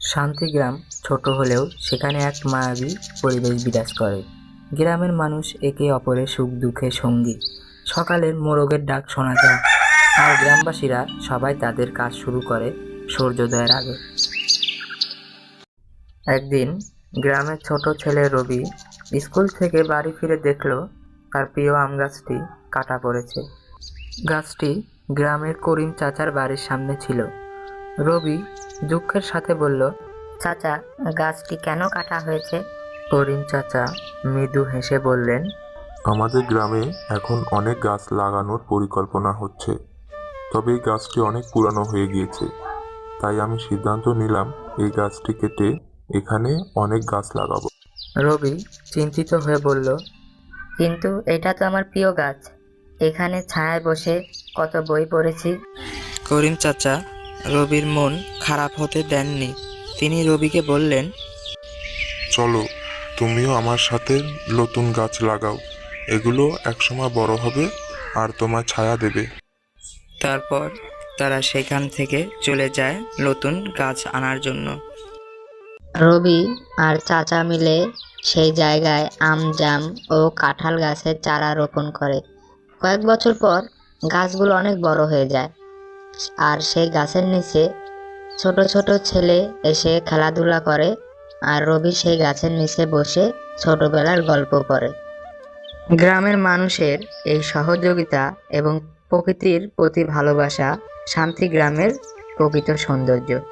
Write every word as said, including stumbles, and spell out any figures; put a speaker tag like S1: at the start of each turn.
S1: শান্তিগ্রাম ছোট হলেও সেখানে এক মায়াবী পরিবেশ বিরাজ করে। গ্রামের মানুষ একে অপরের সুখ দুঃখে সঙ্গী। সকালের মোরগের ডাক শোনা যায়, আর গ্রামবাসীরা সবাই তাদের কাজ শুরু করে সূর্যোদয়ের আগে। একদিন গ্রামের ছোট ছেলে রবি স্কুল থেকে বাড়ি ফিরে দেখল তার প্রিয় আম গাছটি কাটা পড়েছে। গাছটি গ্রামের করিম চাচার বাড়ির সামনে ছিল। রবি দুঃখের সাথে বলল,
S2: চাচা, গাছটি কেন কাটা হয়েছে?
S1: করিম চাচা মৃদু হেসে বললেন,
S3: আমাদের গ্রামে এখন অনেক গাছ লাগানোর পরিকল্পনা হচ্ছে, তবে এই গাছটি অনেক পুরানো হয়ে গিয়েছে। তাই আমি সিদ্ধান্ত নিলাম এই গাছটি কেটে এখানে অনেক গাছ লাগাবো।
S1: রবি চিন্তিত হয়ে বলল,
S2: কিন্তু এটা তো আমার প্রিয় গাছ। এখানে ছায়ায় বসে কত বই পড়েছি।
S1: করিম চাচা রবির মন খারাপ হতে দেননি। তিনি রবিকে বললেন,
S3: চলো, তুমিও আমার সাথে নতুন গাছ লাগাও। এগুলো একসময় বড় হবে আর তোমার ছায়া দেবে।
S1: তারপর তারা সেখান থেকে চলে যায় নতুন গাছ আনার জন্য।
S2: রবি আর চাচা মিলে সেই জায়গায় আম, জাম ও কাঁঠাল গাছের চারা রোপণ করে। কয়েক বছর পর গাছগুলো অনেক বড় হয়ে যায়, আর সেই গাছের নিচে ছোট ছোট ছেলে এসে খেলাধুলা করে, আর রবি সেই গাছের নিচে বসে ছোটবেলার গল্প পড়ে।
S1: গ্রামের মানুষের এই সহযোগিতা এবং প্রকৃতির প্রতি ভালোবাসা শান্তি গ্রামের প্রকৃত সৌন্দর্য।